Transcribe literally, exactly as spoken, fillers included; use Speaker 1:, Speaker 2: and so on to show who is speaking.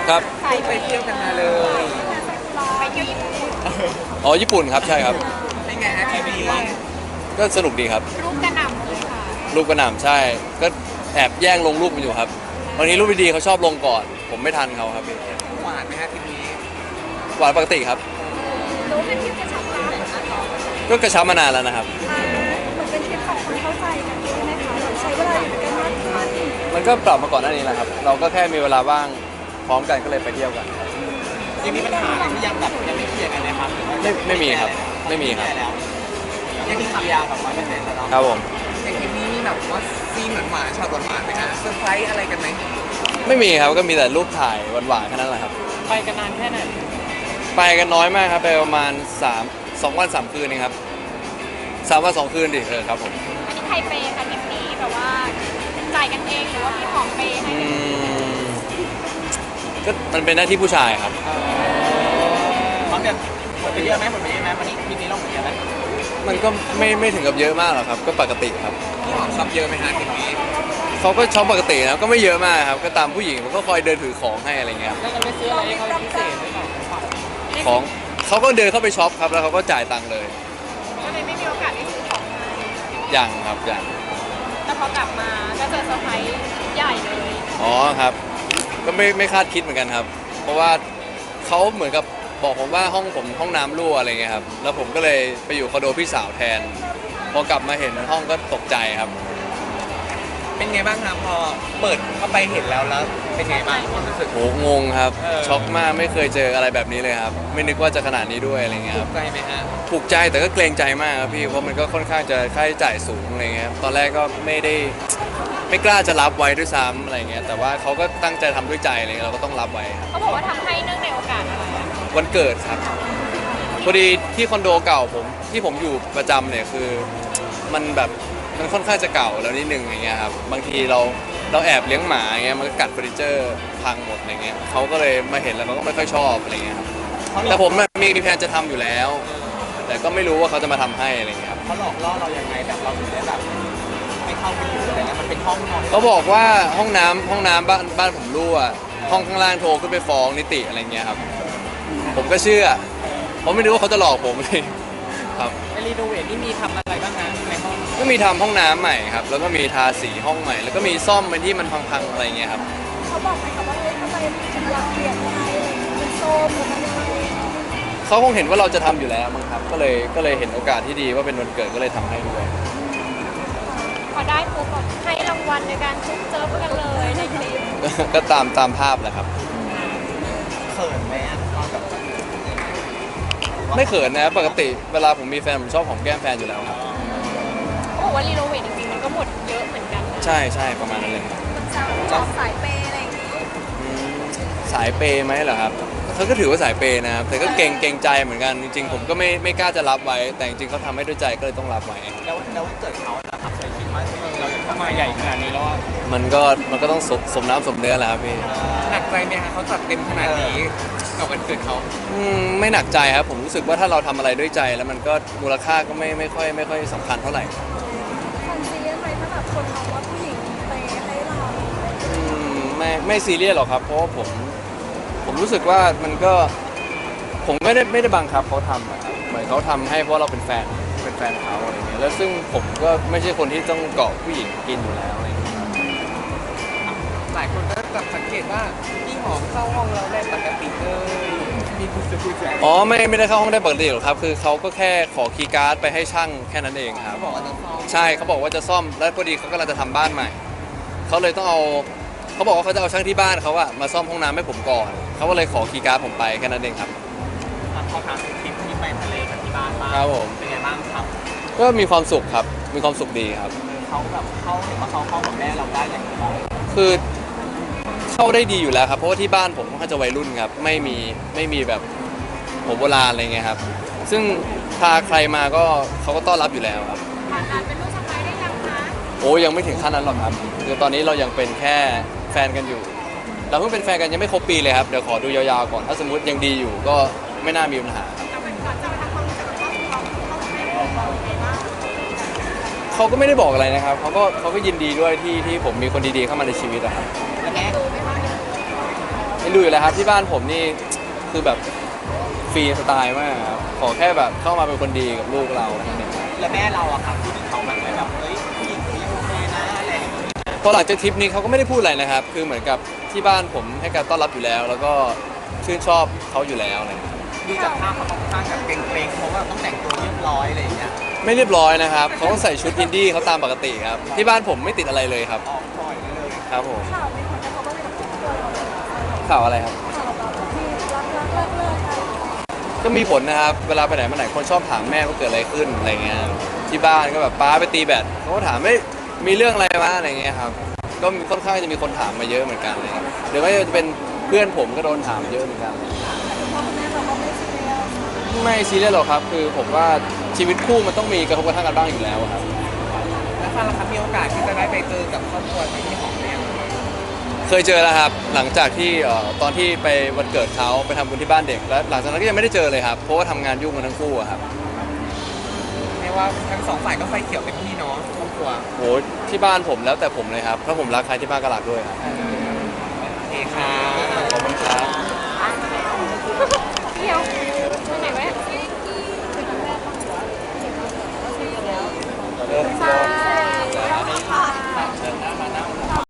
Speaker 1: ครับ
Speaker 2: ไปเที่ยวกันมาเลยไปเที่ยวญี่ปุ่น
Speaker 1: อ๋อญี่ปุ่นครับใช่ครับ
Speaker 2: เป็นไงฮะทีวี
Speaker 1: ก็สนุกดีครับ
Speaker 2: รูปกระหน่ำเลยค่ะ
Speaker 1: รูปกระหน่ำใช่ก็แอบแย่งลงรูปมันอยู่ครับบางทีรูปดีๆเขาชอบลงก่อนผมไม่ทันเขาครับพี่
Speaker 2: หวานไหมฮะทีวี
Speaker 1: หวานปกติครับ
Speaker 2: รู้เป็นที่กระชับรักเหรอคะ
Speaker 1: ก็กระชับมานานแล้วนะครับ
Speaker 2: มันเป็นที่ของคนเข้าใจกันใช่ไหมคะใช้เวลาอยู่ด้วยกันมากขึ้น
Speaker 1: มันก็ปรับมาก่อนหน้านี้แหละครับเราก็แค่มีเวลาว่างพร้อมกันก็เลยไปเที่ยวกัน
Speaker 2: ยังมีปัญหาอะไรที่ยังแบบยังไม่เคลียร์กันเลยครับ
Speaker 1: ไม่ไม่มีครับไม่มีครับ
Speaker 2: ยังมีสัญญาแบบร้อยเปอร์เซ็นต์แล้ว
Speaker 1: ครับผม
Speaker 2: อย่างทีนี้แบบว่าซีนหวานๆช็อตหวานๆไหมคะเซอร์ไพรส์อะไรกันไหม
Speaker 1: ไม่มีครับก็มีแต่รูปถ่ายหวานๆแค่นั้นแหละครับ
Speaker 2: ไปกันนานแค่ไหน
Speaker 1: ไปกันน้อยมากครับไปประมาณสามสองวันสามคืนเองครับสามวันสองคืนดิเออครับผม
Speaker 2: อันนี้ใครเปย์คะทริปนี้แบบว่าจ่ายกันเองหรือว่าพี่ของเปย์ให้
Speaker 1: ก็มันเป็นหน้าที่ผู้ชายครับ
Speaker 2: พร้อมจะหมดไปเยอะไหมหมดไปเยอะไหมวันนี้ทีนี้เราหมดเยอะไหม
Speaker 1: มันก็ไม่ไม่ถึงกับเยอะมากหรอกครับก็ปกติครับ
Speaker 2: พี่หอมช็อปเยอะไหมฮะทีนี้
Speaker 1: เขาก็ช็อปปกตินะก็ไม่เยอะมากครับก็ตามผู้หญิงผมก็คอยเดินถือของให้อะไรเงี้ย
Speaker 2: แล้วเราไปซื้ออะไรให้เขาพิเศษหรือเปล่า
Speaker 1: ของเขาก็เดินเข้าไปช็อปครับแล้วเขาก็จ่ายตังค์เลย
Speaker 2: ก็เลยไม่มีโอกาสได้ซื้อของ
Speaker 1: ยังครับยัง
Speaker 2: แต่พอกลับมาก็เจอเซอร์ไพรส์ใหญ่เลย
Speaker 1: อ๋อครับก็ไม่ไม่คาดคิดเหมือนกันครับเพราะว่าเขาเหมือนกับบอกผมว่าห้องผมห้องน้ำรั่วอะไรเงี้ยครับแล้วผมก็เลยไปอยู่คอนโดพี่สาวแทนพอกลับมาเห็นห้องก็ตกใจครับ
Speaker 2: เป็นไงบ้างครับพอเปิดเข้าไปเห็นแล้วแล้วเป็นไงบ้างความรู้สึก
Speaker 1: โหงงครับช็อกมากไม่เคยเจออะไรแบบนี้เลยครับไม่นึกว่าจะขนาดนี้ด้วยอะไรเงี้ยค
Speaker 2: รั
Speaker 1: บ
Speaker 2: ถูกใจไหมฮะ
Speaker 1: ถูกใจแต่ก็เกรงใจมากครับพี่เพราะมันก็ค่อนข้างจะค่าใช้จ่ายสูงอะไรเงี้ยตอนแรกก็ไม่ได้ไม่กล้าจะรับไว้ด้วยซ้ำอะไรเงี้ยแต่ว่าเขาก็ตั้งใจทำด้วยใจอะไรเงี้ยเราก็ต้องรับไว้
Speaker 2: เขาบอกว่าทำให้เนื่องในโอกาสอะไร
Speaker 1: วันเกิดครับพอดีที่คอนโดเก่าผมที่ผมอยู่ประจำเนี่ยคือมันแบบมันค่อนข้างจะเก่าแล้วนิดนึงอย่างเงี้ยครับบางทีเราเราแอบเลี้ยงหมาอย่างเงี้ยมันก็กัดเฟอร์นิเจอร์พังหมดอะไรเงี้ยเขาก็เลยมาเห็นแล้วเขาก็ไม่ค่อยชอบอะไรเงี้ยครับแต่ผมมีมีแผนจะทำอยู่แล้วแต่ก็ไม่รู้ว่าเขาจะมาทำให้อะไรเงี้ยครับ
Speaker 2: เขาหลอกล่อเรายังไงแบบเราถึงได้แบบไม่เข้าไปอยู่อะไรเงี้ยมันเป็นห้องนอน
Speaker 1: เขาบอกว่าห้องน้ำห้องน้ำบ้านบ้านผมรั่วห้องข้างล่างโทรขึ้นไปฟ้องนิติอะไรเงี้ยครับผมก็เชื่อเพราะไม่รู้ว่าเขาจะหลอกผมเลยครับ
Speaker 2: ในรีโนเวทนี่มีทำอะไรบ้างนะในห้อง
Speaker 1: ก็มีทำห้องน้ำใหม่ครับแล้วก็มีทาสีห้องใหม่แล้วก็มีซ่อมเป็นที่มันพังๆอะไรเงี้ยครับ
Speaker 2: เขาบอกไหมคะว่าเฮ้ยทำไมถึงอยากเปลี่ยนอะไรมันโซมหรือมันอะไร
Speaker 1: เขาคงเห็นว่าเราจะทำอยู่แล้วมั้งครับก็เลยก็เลยเห็นโอกาสที่ดีว่าเป็นวันเกิดก็เลยทำให้ด้วย
Speaker 2: พอได้ปุ๊บแบบให้รางวัลในการชุบเจิบกันเลยในคลิป
Speaker 1: ก็ตามตามภาพแหละครับ
Speaker 2: เขินไหมตอนแบบ
Speaker 1: ไม่เขินนะปกติเวลาผมมีแฟนผมชอบหอมแก้มแฟนอยู่แล้วครับ
Speaker 2: โอ้ว่ารีโนเวทจริงๆมันก็หมดเยอะเหมือนกัน
Speaker 1: ใช่ใช่ประมาณนั้นเลย
Speaker 2: ชอบสายเปย์อะไรอย่างนี้
Speaker 1: สายเปย์ไหมเหรอครับเขาก็ถือว่าสายเปย์นะครับแต่ก็เก่งเก่งใจเหมือนกันจริงๆผมก็ไม่ไม่กล้าจะรับไว้แต่จริงๆเขาทำให้ด้วยใจก็เลยต้องรับไว้
Speaker 2: แล้วแล้วเกิดเขาจะทำอะไรคิดว่าเราจะเข้ามาใหญ่ขนาดนี้แล้ว
Speaker 1: มันก็มันก็ต้องสมน้ำสมเนื้อแหละครับพี่
Speaker 2: หนักใจไหมคะเขาจัดเต็มขนาดนี้กับวันเกิดเขา
Speaker 1: อืมไม่หนักใจครับผมรู้สึกว่าถ้าเราทำอะไรด้วยใจแล้วมันก็มูลค่าก็ไม่ไม่ค่อยไม่ค่อยสำคัญเท่าไหร่
Speaker 2: ความซีเรียสไหมถ้าแบบคนมองว่าผู้หญิงไปให้เรา
Speaker 1: อืมไม่ไม่ซีเรียสหรอกครับเพราะว่าผมผมรู้สึกว่ามันก็ผมไม่ได้ไม่ได้บังคับเขาทำอะครับเหมือนเขาทำให้เพราะเราเป็นแฟนเป็นแฟนเขาอะไรเงี้ยแล้วซึ่งผมก็ไม่ใช่คนที่ต้องเกาะผู้หญิงกินอยู่แล้วอะไรเงี้ย
Speaker 2: หลายคนก็จับสังเกตว่าพี่หอมเข้าห้องเราได้ปกติเลยพี่พูดจะพูด
Speaker 1: อ๋อไม่ไม่ได้เข้าห้องได้ปกติหรอกครับคือเขาก็แค่ขอคีย์การ์ดไปให้ช่างแค่นั้นเองครับ
Speaker 2: เขาบอกว่าจะซ่อม
Speaker 1: ใช่เขาบอกว่าจะซ่อมแล้วพอดีเขากำลังจะทำบ้านใหม่เขาเลยต้องเอาเขาบอกว่าเขาจะเอาช่างที่บ้านเขาอะมาซ่อมห้องน้ำให้ผมก่อนเขาก็เลยขอคีย์การ์ดผมไปแค่นั้นเองครับ
Speaker 2: พอถามถึงทริปที่ไปทะเลกับที่บ้านบ้าง
Speaker 1: ครับผม
Speaker 2: เป็นไงบ้างครับ
Speaker 1: ก็มีความสุขครับมีความสุขดีครับ
Speaker 2: เขาแบบเขาเห็นว่าเขาเข้ากับแม่เราได้อย่างไรบ้าง
Speaker 1: คือเข้าได้ดีอยู่แล้วครับเพราะว่าที่บ้านผมค่อนข้างจะวัยรุ่นครับไม่มีไม่มีแบบหัวโบราณอะไรเงี้ยครับซึ่งพาใครมาก็เขาก็ต้อนรับอยู่แล้วครับ
Speaker 2: ผ่านการเป็นลูกสะใภ้ได้ยังคะ
Speaker 1: โอ้ยังไม่ถึงขั้นนั้นหรอกครับคือตอนนี้เรายังเป็นแค่แฟนกันอยู่เราเพิ่งเป็นแฟนกันยังไม่ครบปีเลยครับเดี๋ยวขอดูยาวๆก่อนถ้าสมมุติยังดีอยู่ก็ไม่น่ามีปัญหาครับเขาก็ไม่ได้บอกอะไรนะครับเขาก็เขาก็ยินดีด้วยที่ที่ผมมีคนดีๆเข้ามาในชีวิตอะครับ
Speaker 2: แม่ดูไหมคะ
Speaker 1: เอ็มันดูอยู่แล้วครับที่บ้านผมนี่คือแบบฟรีสไตล์มากครับขอแค่แบบเข้ามาเป็นคนดีกับลูกเราแค่นั้นเอง
Speaker 2: แล้วแม่เราอะครับที่เขาแบบไม่แบบเฮ้ยผู้หญิงคนนี้โอเคนะอะไรอย่างเงี้ย
Speaker 1: พอหลังจากทริปนี้เขาก็ไม่ได้พูดอะไรนะครับ คือเหมือนกับที่บ้านผมให้การต้อนรับอยู่แล้ว แล้วก็ชื่นชอบเขาอยู่แล้วอะไรอย่างเงี้ย
Speaker 2: ดูจากภาพเขาค่อนข้างแบบเกรงๆเพราะว่าต้องแต่งตัวเรียบร้อยอะไรอย่างเงี้ย
Speaker 1: ไม่เรียบร้อยนะครับเขาก็ใส่ชุดอินดี้เขาตามปกติครับที่บ้านผมไม่ติดอะไรเลยครับ
Speaker 2: ออกปล่อยเลย
Speaker 1: ครับผม
Speaker 3: ข่าวมีผลกระทบอะไรกับครอบครัวเราไหมคะ
Speaker 1: ข่าวอะไรครับ
Speaker 3: ข่าวแบบที่รักรักเลิกเลิกกัน
Speaker 1: ก็มีผลนะครับ เวลาไปไหนมาไหนคนชอบถามแม่ว่าเกิดอะไรขึ้นอะไรเงี้ย ที่บ้านก็แบบป้าไปตีแบดเขาก็ถามไม่มีเรื่องอะไรมาอะไรเงี้ยครับ ก็มีค่อนข้างจะมีคนถามมาเยอะเหมือนกันเลยหรือไม่ว่าจะเป็นเพื่อนผมก็โดนถามเยอะเหมือนกัน
Speaker 3: คุณพ่อคุณแม่เราก็ไม่ซีเรียส
Speaker 1: ไม่ซีเรียสหรอกครับ คือผมว่าชีวิตคู่มันต้องมีกระทบกระทั่งกันบ้างอยู่แล้วครับ
Speaker 2: แล้วฟังแล้วครับมีโอกาสที่จะได้ไปเจอกับครอบครัวที่หอมเนี่ย
Speaker 1: เคยเจอแล้วครับ หลังจากที่เอ่อตอนที่ไปวันเกิดเขาไปทำบุญที่บ้านเด็ก แล้วหลังจากนั้นก็ยังไม่ได้เจอเลยครับ เพราะว่าทำงานยุ่งกันทั้งคู่อะครับ
Speaker 2: เรียกว่าทั้งสองฝ่ายก็ไฟเขียวเต็มที่เนาะครอบครัว
Speaker 1: โหที่บ้านผมแล้วแต่ผมเลยครับ ถ้าผมรักใครที่บ้านก็รักด้วยครับ
Speaker 2: โอเคครับ